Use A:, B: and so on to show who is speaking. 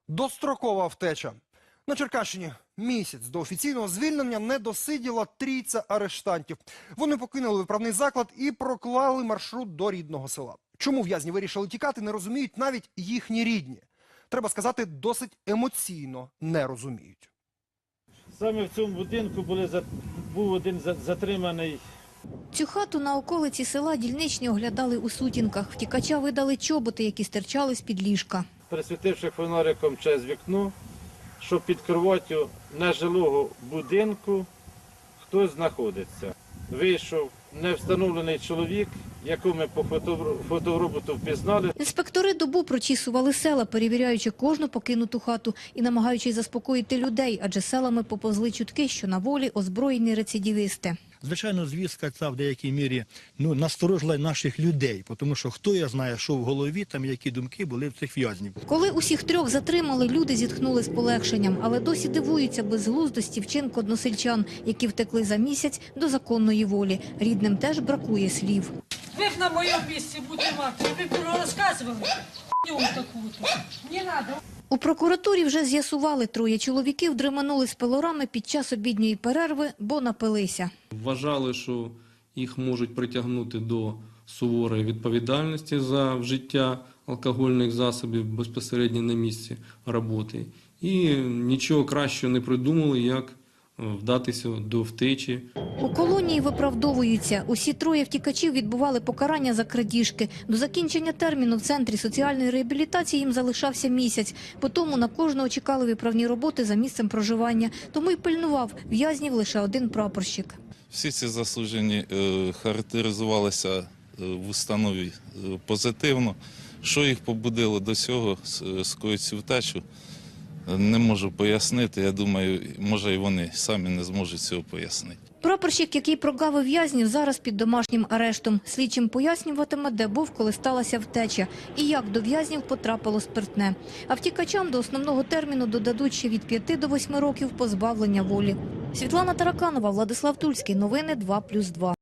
A: Дострокова втеча. На Черкащині місяць до офіційного звільнення не досиділа трійця арештантів. Вони покинули виправний заклад і проклали маршрут до рідного села. Чому в'язні вирішили тікати, не розуміють навіть їхні рідні. Треба сказати, досить емоційно не розуміють.
B: Саме в цьому будинку був один затриманий.
C: Цю хату на околиці села дільничні оглядали у сутінках. Втікача видали чоботи, які стирчали з-під ліжка.
B: Присвітивши фонариком через вікно, що під кроваттю нежилого будинку хтось знаходиться. Вийшов невстановлений чоловік, якого ми по фотороботу впізнали.
C: Інспектори добу прочісували села, перевіряючи кожну покинуту хату і намагаючись заспокоїти людей, адже селами поповзли чутки, що на волі озброєні рецидивісти.
D: Звичайно, звістка ця в деякій мірі насторожила наших людей, тому що хто я знає, що в голові, там які думки були в цих в'язнів.
C: Коли усіх трьох затримали, люди зітхнули з полегшенням, але досі дивуються безглуздості вчинку односельчан, які втекли за місяць до законної волі. Рідним теж бракує слів.
E: Ви б на моєму місці будете мати, ви б розказували х**ню таку-то. Не треба.
C: У прокуратурі вже з'ясували, троє чоловіків дременули з пилорами під час обідньої перерви, бо напилися.
F: Вважали, що їх можуть притягнути до суворої відповідальності за вжиття алкогольних засобів безпосередньо на місці роботи. І нічого кращого не придумали, як вдатися до втечі.
C: У колонії виправдовуються. Усі троє втікачів відбували покарання за крадіжки. До закінчення терміну в Центрі соціальної реабілітації їм залишався місяць. Потому на кожного чекали виправні роботи за місцем проживання. Тому й пильнував в'язнів лише один прапорщик.
G: Всі ці засуджені характеризувалися в установі позитивно. Що їх побудило до цього, скоїти цю втечу, не можу пояснити. Я думаю, може і вони самі не зможуть цього пояснити.
C: Прапорщик, який прогавив в'язнів, зараз під домашнім арештом. Слідчим пояснюватиме, де був, коли сталася втеча, і як до в'язнів потрапило спиртне. А втікачам до основного терміну додадуть ще від 5 до 8 років позбавлення волі. Світлана Тараканова, Владислав Тульський. Новини 2+2.